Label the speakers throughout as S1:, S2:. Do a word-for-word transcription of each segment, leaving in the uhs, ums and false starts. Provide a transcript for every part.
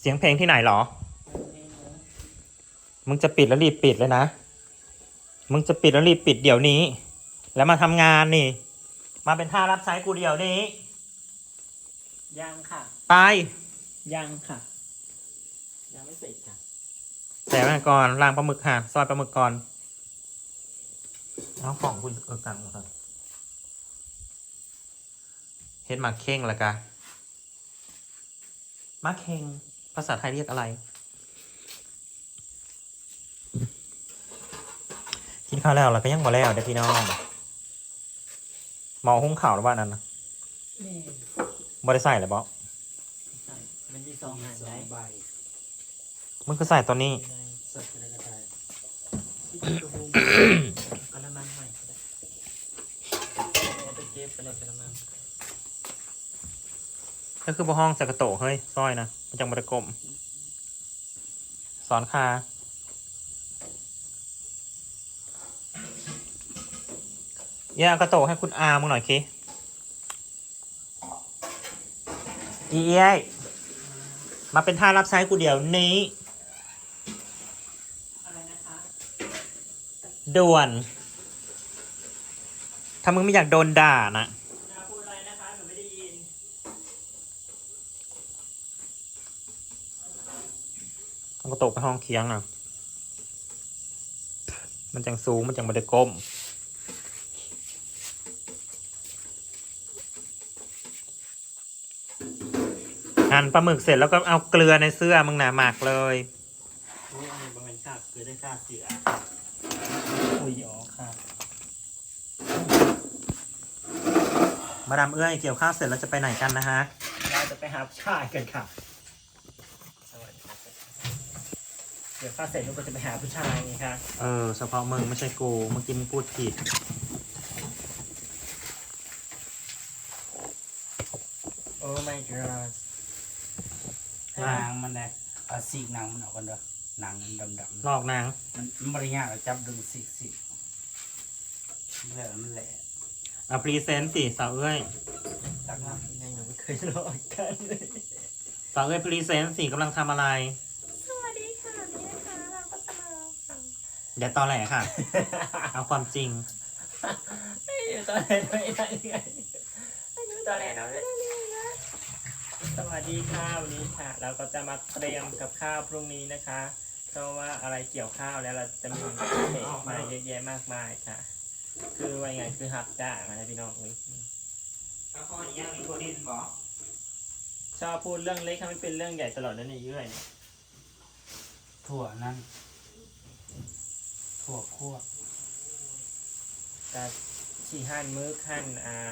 S1: สียงเพลงที่ไหนหรอมึงจะปิดแล้วรีบปิดเลยนะมึงจะปิดแล้วรีบปิดเดี๋ยวนี้แล้วมาทำงานนี่มาเป็นท่ารับใช้กูเดี๋ยวนี้
S2: ยังค่ะ
S1: ไป
S2: ยังค่ะยังไม่เสร็จค่ะ
S1: แต่มาก่อนล้างปลาหมึกค่ะซอยปลาหมึกก่อนเอาของคุณเออกันครับเฮ็ดมาเข่งละกะมาเข่งภาษาไทยเรียกอะไรกินข้าวแล้วเราก็ยังบ่แล้วเด้อพี่น้องเมาหุ้งข่าวหรือว่านั้นนะบ่ได้ใส่เลยบ่
S2: มันมีสองอันได้ใบ
S1: มึงก็ใส่ตัวนี้
S2: ใส่อะไรก็ได้กระมังใหม่เอาไปเก็บไปเลยกระมัง
S1: ก็คือบ่ห้องใส่กระโตเฮ้ยซอยนะมันจังบ่ได้กลมสอนคาอย่ากระโตให้คุณอามึงหน่อยคิอีเอ้ยมาเป็นท่ารับใช้กูเดี๋ยวนี้
S2: อะไรนะคะ
S1: ด่วนถ้ามึงไม่อยากโดนด่านะ
S2: นาพูดอะไรนะคะหนูไม่ได้ยิน
S1: เอากระโตไปห้องเคียงอ่ะมันจังสูงมันจังบ่ได้ก้มหั่นปลาหมึกเสร็จแล้วก็เอาเกลือในเสื้อมึงหนาหมักเลย
S2: โอ้ยอันนี้บางวันขาดคือได้ขาดเสืออุ้ยอ๋อค่ะ
S1: มาดามเอื้อยเกี่ยวข้าวเสร็จแล้วจะไปไหนกันนะฮะ
S2: เราจะไปหาผู้ชายกันค่ะสวัสดีครับเดี๋ยวข้าวเสร็จลูกก็จะไปหาผู้ชายไงคะ
S1: เออเฉพาะมึงไม่ใช่กูเมื่อกี้มึงพูดผิด
S2: โอ้ my god
S3: หนังมันเลยเอาสีกหนังมันออกกันเด้อหนังมันดำ
S1: ลอกนาง
S3: มันมันบริยากจับดึงสีสีเมื่อมันแหละ
S1: เอาพรีเซนต์สิสาวเอ้ย
S2: ตักน้ำยังไงหนูไม่เคยลอกกันเลย
S1: สาวเอ้ยพรีเซนต์สิกำลังทำอะไร
S4: สวัสดีค่ะนี่นะคะเราก็จะมาฟัง
S1: อย่าตอแหลค่ะ เอาความจริง
S2: ไม่อยู่ตอนไหนไม่ได้ไงไม่อยู่ตอนไหนเราไม่ได้เลยนะสวัสดีค่ะวันนี้ค่ะเราก็จะมาเตรียมกับข้าวพรุ่งนี้นะคะเพราะว่าอะไรเกี่ยวข้าวแล้วเราจะมีเค้กมาเยอะแยะมากมายค่ะคือว่าไงคือหับจ้างนะพี่น้องเอ้ย
S1: เอาข้อนี้ยังมีโคดินบอ
S2: ชอบพูดเรื่องเล็กทำให้เป็นเรื่องใหญ่ตลอดนั่นเองเรื่อย
S3: ถั่วนั่นถั่วคั่ว
S2: แต่สี่หั่นมื้อขั้นอ่า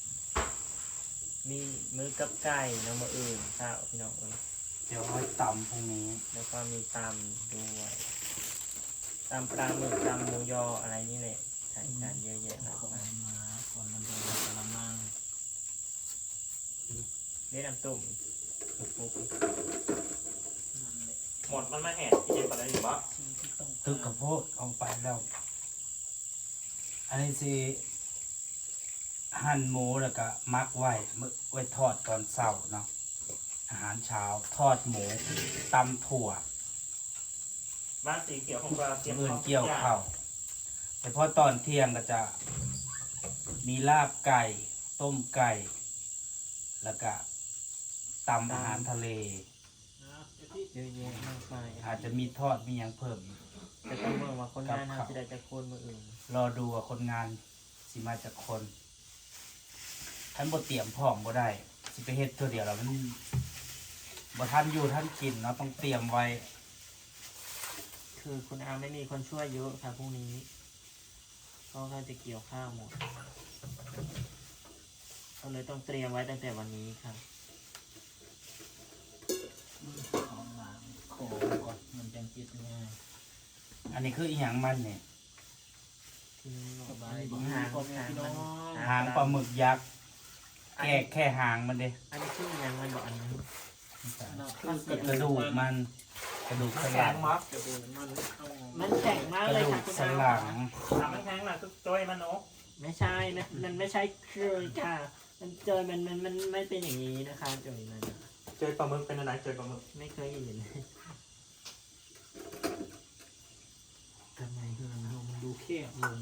S2: มีมื้อกับไก่น้ำมะอื่นข้าวพี่น้องเอ้ย
S3: เดี๋ยวเอาตำพรุ่งนี้
S2: แล้วก็มีตำด้วยตำปลาหมึกตำหมูยออะไรนี่แหละใส่กันเยอะแยะมากมาย
S3: มาคนมันเป็นกระมัง
S2: เล่นน้ำตุ่มปุ๊บ
S1: หมดมันมาแหกที่เย็นปะได้หรือเปล่า
S3: ตึกกระโพดออกไปแล้วอันนี้สิหั่นหมูแล้วก็มักไว้ไว้ทอดตอนเช้าเนาะอาหารเช้าทอดหมูตำถั่ว
S1: บ้านสีเขียวของเรา
S3: เตรียมเงินเกี่ยวข้าวแต่พอตอนเที่ยงก็จะมีลาบไก่ต้มไก่แล้วก็ตำอาหารทะเล
S2: เยอะแยะมากมาย
S3: อาจจะมีทอดมีอย่างเพิ่ม
S2: แต่ต้องเมืองว่าคนงานทำที่ใดจะคนมืออื่น
S3: รอดูว่าคนงานสิมาจากคนท่านบ่เตรียมพร้อมบ่ได้สิไปเฮ็ดตัวเดียวแล้วมันบ่ท่านอยู่ท่านกินเนาะต้องเตรียมไว้
S2: คือคุณอาไม่มีคนช่วยเยอะค่ะพรุ่งนี้ก็เขาจะเกี่ยวข้าวหมดก็เลยต้องเตรียมไว้ตั้งแต่วันนี้ค่ะ
S3: ของหลังโขก่อนมันจังคิดง่ายอันนี้คืออีหยังมันเนี่ย
S2: หาง
S3: หางปลาหมึกยักษ์แค่แค่หางมันเด้
S2: อันนี้คือยังมันบอกอันนี้
S3: คือกระดูกมันกระดูกสันหลัง
S2: มันแข็งมากเลยค่ะคุณอา
S3: สันหลัง
S1: มันแข็งหน่อยทุกตัวมันโน
S2: ไม่ใช่มันมันไม่ใช่คือค่ะมันเจอมันมันมันไม่เป็นอย่างนี้นะคะเจอมัน
S1: เจอปลาหมึกเป็นอะไรเจอปลาหมึก
S2: ไม่เคยเห็นเลย
S3: ทำไมเฮือนเรามันดูแคบลง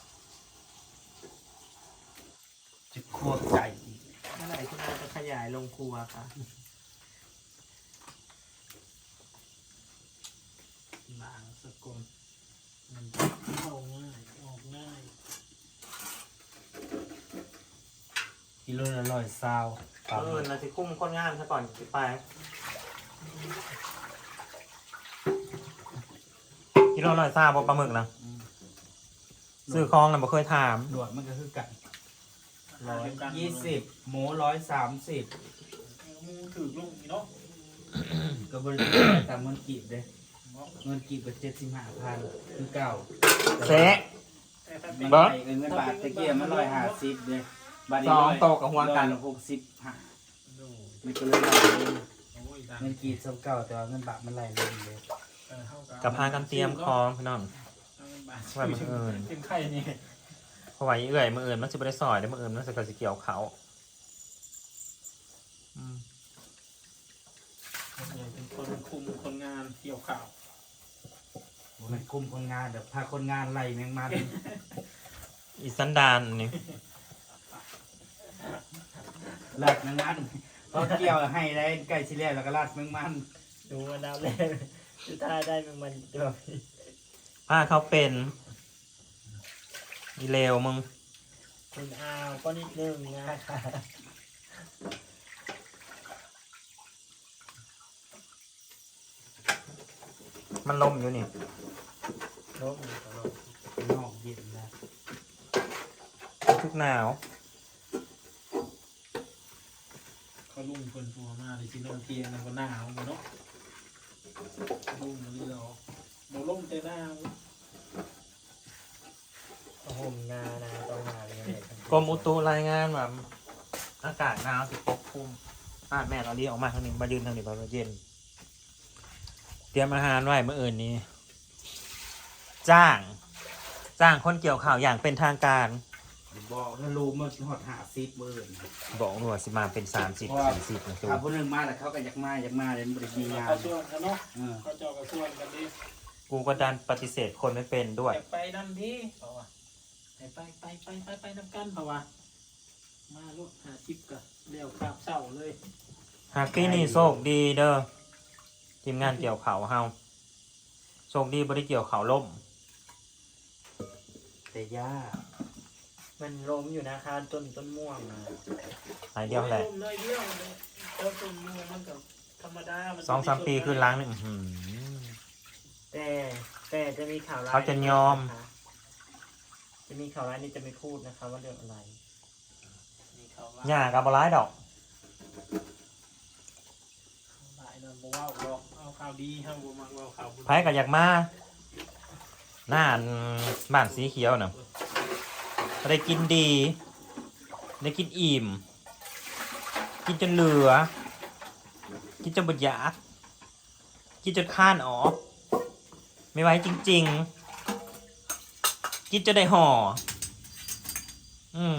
S3: จะควบใจอีก
S2: เมื่อไหร่คุณอาจะขยายลงครัวคะ
S3: ล้างสกุลมันเข้าง่ายออกง่ายกิโลละร้อยซาว
S1: เออเราจะคุ้มคนงานซะก่อนสิไปกิโลร้อยซาบปลาหมึกนะซื้อคลองนะบ่เคยถาม
S3: หนวดมันก็คือกันร้อยยี่สิบหมูร้อยสามสิบ
S2: มูถือลงเนาะ
S3: ก็บริษัทตามเงินกีบเลยเงินกีบก็เจ็ดสิบห้าพันคือเก่า
S1: เซะ
S3: เงิน
S1: เบิ้ง
S3: เงินบาทตะเกียบมันร้อยห้าสิบเลยบาทนี้
S1: สอง
S3: ร้ย
S1: โตกับหัวกัน
S3: ร้อยหกสิบห้ามันก็เลยร้อยเลยเงินกีบสมเก่าแต่ว่าเงินบาทมันไหลลงเลย
S1: กับพากันเตรียมคลองพี่น้องไว้มืออื่น
S2: เป็นไข่นี่
S1: เพราะว่าอีเอื่อยมืออื่นมันจะไม่ได้ซอยได้มืออื่นมันจะกระสิเกี่ยวเขาอืม
S2: เป็นคนคุมคนงานเกี่ยวข่าว
S3: มันคุมคนงานแบบพาคนงานไล่แมงมัน
S1: อีสันดานนี่
S3: ลาดแมงมันพอเกี่ยวให้ได้ใกล้ชิแล้วแล้วก็ลาดแมงมัน
S2: ดูว่าดาวแรกจะท่าได้เป็นมันตัว
S1: ผ้าเขาเป็นอีเลวมึง
S2: คุณอาวก็นิดนึงนะคะ
S1: มันลมอยู่นี่
S2: ลง
S3: นอกเย็นนะ
S1: ทุกหนาว
S5: เขาลุ่มคนตัวมาเลยสิโนเทียนก็หนาวเนาะลุ่มนี่เราโมลุ่มแต่หนาว
S2: ห่มงานะต้องมาเลย
S1: กรมอุตุรายงานว่าอากาศหนาวสิปกคลุมป้าแม่เราเรียกออกมาทางหนึ่งมายืนทางนี้พอเย็น เตรียมอาหารไว้เมื่ออื่นนี้ จ้าง จ้างคนเกี่ยวข่าวอย่างเป็นทางการ
S3: บอกถ้ารู้มันหอดหาซิปเบิร์น
S1: บอกหน่วยสิมาเป็นสามสิบสี่สิบนะตัว
S3: ถ้าผู้หนึ่งมาแล้วเขาก็อยากมาอยากมาเลยมันบริมีงาน
S5: เขาชวนกันเนาะ
S3: เออ
S5: เขาเจาะกระชวนกันดิ
S1: กูก็ดันปฏิเสธคนไม่เป็นด้วย
S5: อยากไปนั่นดิเขาว่าไปไปไปไปไปไปน้ำกันเขาว่ามาลูกหาทิปกับเลี้ยวข้ามเศร้าเลย
S1: หากที่นี่โชคดีเด้อทีมงานเกี่ยวข่าวเฮาโชคดีบริเกี่ยวข่าวล่ม
S3: แต่ย่า
S2: มันล้มอยู่นะคะต้นต้นม่วงนะ
S1: หายเดียวแหละ
S5: โอ้เลยเดียวเลยเจ้าตุ่มมือมันกับธรรมดามัน
S1: สองสามปีขึ้นล้างหนึ่งหืม
S2: แต่แต่จะมีข่าวร้าย
S1: เขาจะยอม
S2: นะคะจะมีข่าวร้ายนี่จะไม่พูดนะคะว่าเรื่องอะไร
S5: มีเขาว่า
S1: หญ้ากับบร้ายดอก
S5: หลายนั่นบอกว่าดอกเอาข่าวดีห้ามบอกมาเอาข่าวบุญ
S1: ไผก็อยากมาหน้าอันบ้านสีเขียวน่ะได้กินดี ได้กินอิ่ม กินจนเหลือ กินจนบดอยากกินจนข้านออก ไม่ไหวจริงๆ กินจนได้ห่อ อืม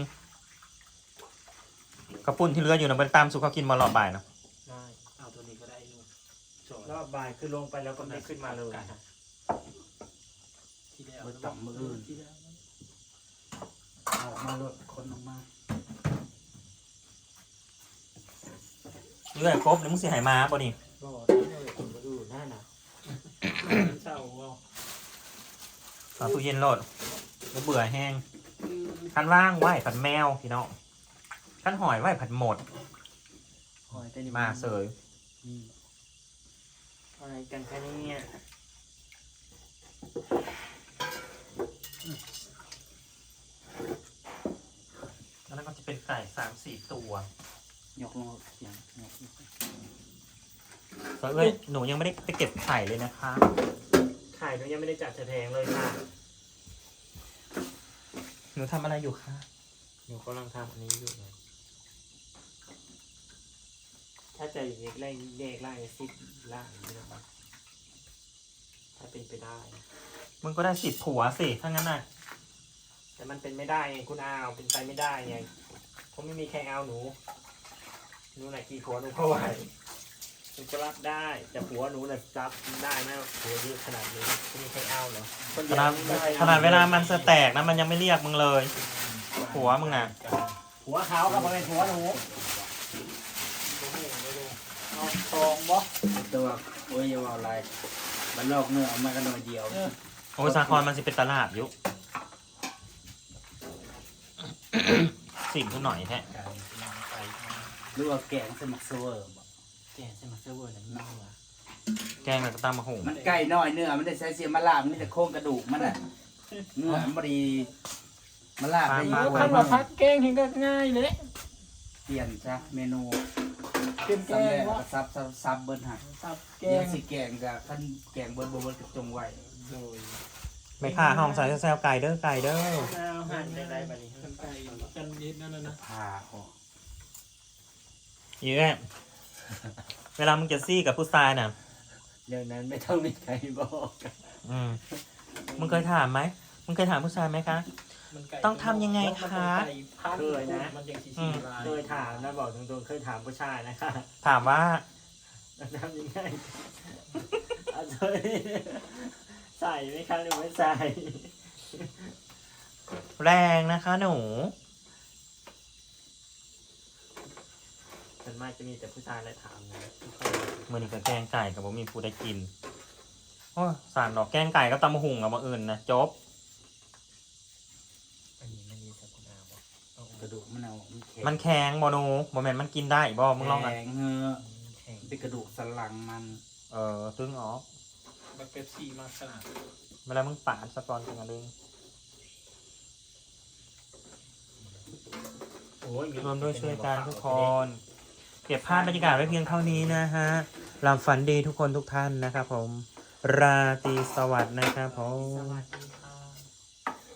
S1: กระปุ่นที่เหลืออยู่นะมันตามสู่เขากินมาหลอบบ่ายนะ
S2: ได้
S5: เอาตัวนี้ก็ได้ลูกสอน
S2: รอบบ่ายคือลงไปแล้วก็ไม่ขึ้นมาเลยค่ะ
S5: ที่แล้ว
S3: เบิดต่ำมืออื่น
S5: ที่แล้ว
S3: ออกมาลดคนออกมา
S1: เรื่อยครบเดี๋ยวมึงสิหายมาป่ะนี่
S2: ก็ได้เลยคนมาดูหน้าหนา
S5: เศร้าเอา
S1: เอาตู้เย็นโหลดแล้วเบื่อแห้งคันว่างไหวผัดแมวพี่น้องคันหอยไหวผัดหมด
S2: หอยแต่นี่
S1: มาเสย
S3: นี่
S2: อะไรกันคะเนี่ย
S1: แล้วนั่นก็จะเป็นไก่สามสี่ตัวย
S3: กลงอย่างยก
S1: เอ้ยหนูยังไม่ได้ไปเก็บไข่เลยนะคะ
S2: ไข่หนูยังไม่ได้จัดแถงเลยค่ะ
S1: หนูทำอะไรอยู่คะ
S2: หนูกำลังทำอันนี้อยู่เลยถ้าจะอย่างนี้ไล่เลขไล่ซิปล่างนี่นะครับถ้าเป็นไปได้
S1: มึงก็ได้สิบผัวสิถ้างั้นน่ะ
S2: แต่มันเป็นไม่ได้ไงคุณอาวเป็นไปไม่ได้ไงผมไม่มีใครเอาหนูหนูไหนกี่ผัวหนูก็ไหวหนูก็รับได้แต่ผัวหนูน่ะรับได้ไหมผัวเยอะขนาดนี้ไม่มีใครเอาเหรอคน
S1: ข
S2: เดียว
S1: นาด
S2: ไม่ได้
S1: ขนาดเวลามันสแตกนะมันยังไม่เรียกมึงเลยผัวมึงอ่ะ
S2: ผัวเขากับเป็นผัวหนูเอาทองบ่
S3: ตัวโอ้ยอย่าว่าอะไรมันลอกเนื้อเอามากันหน่อยเดียว
S1: โอ้ยสาครมันสิเป็นตลาดอยุ สิ่งขึ้นหน่อยแท้
S3: หรือว่าแกงสมักเซเวอร์บ่
S2: แกใช่ไหมเซิร์ฟเวอร์นั่นเน่าอ่ะ
S1: แกงแล้วก็ตามมาหุง
S3: มันไก่น้อยเนื้อมันได้ใช้เสียมะลาบมันมีแต่โครงกระดูกมันน่ะเนื้อมันบ่ดีมะลาบได้อยู่
S2: คันว่าพัดแกงเห็นก็ง่ายเลย
S3: เปลี่ยนซะเมนู
S2: เป็นแก
S3: ซ้ำแร
S2: ง
S3: ก
S2: วะ
S3: ก็ซับซับซับเบิ้ลหัก
S2: ตับแก
S3: แกง
S2: ง
S3: สิแกงกับขั้นแกงเบิ้ลบ่เบิ้ลกระจงไว้
S2: โดย
S1: ไม่ค่าห้องใส่แซวไก่เด้อไก่เด้อ
S2: ข้าวหั่นได้ไรแบบนี้
S5: กันไก่กันนิดนั่นน่ะนะ
S3: ผ่าออก
S1: เยอะเวลามึงจะซี่กับผู้ชายน่ะ
S2: เรื่องนั้นไม่ต้องมีใครบอก
S1: อืมมึงเคยถามไหมมึงเคยถามผู้ชายไหมคะ ต้องทำยังไงคะ
S2: เคยนะ
S5: มันยังสี
S1: อืม
S5: ลาย
S2: เคยถามนะบอกตรงๆเคยถามผู้ชายนะคะ
S1: ถามว่า
S2: ทำยังไงเอาเลยใส่ไหมคะหรือไม่ใส่
S1: แรงนะคะหนู
S2: ส่วนมากจะมีแต่ผู้ชายและถามนะ
S1: มือนี้กับแกงไก่กับผมมีผู้ได้กินโอ้สั่งดอกแกงไก่กับตำมะหุงกับมาอื่นนะจบ
S2: อันนี้ไม่มีสักคุณอาบอก
S3: กระดูกมันเอามันแข็ง
S1: มันแข็งบอนูบอแมนมันกินได้บอมึงลองอ่ะ
S3: แข็งเงอะ
S2: แข็ง
S3: เป็นกระดูกสันหลังมัน
S1: เออตึงออก
S5: แบบเป็ปซี่มากขนาด
S1: เวลามึงปาดสะกอนกันเอง
S2: โอ้ย
S1: รวมด้วยช่วยกันทุกคนเก็บภาพบรรยากาศไว้เพียงเท่านี้นะฮะหลับฝันดีทุกคนทุกท่านนะครับผมราตรีสวัสดิ์นะครับผ
S2: ส
S1: ม
S2: วัสดีค่ะ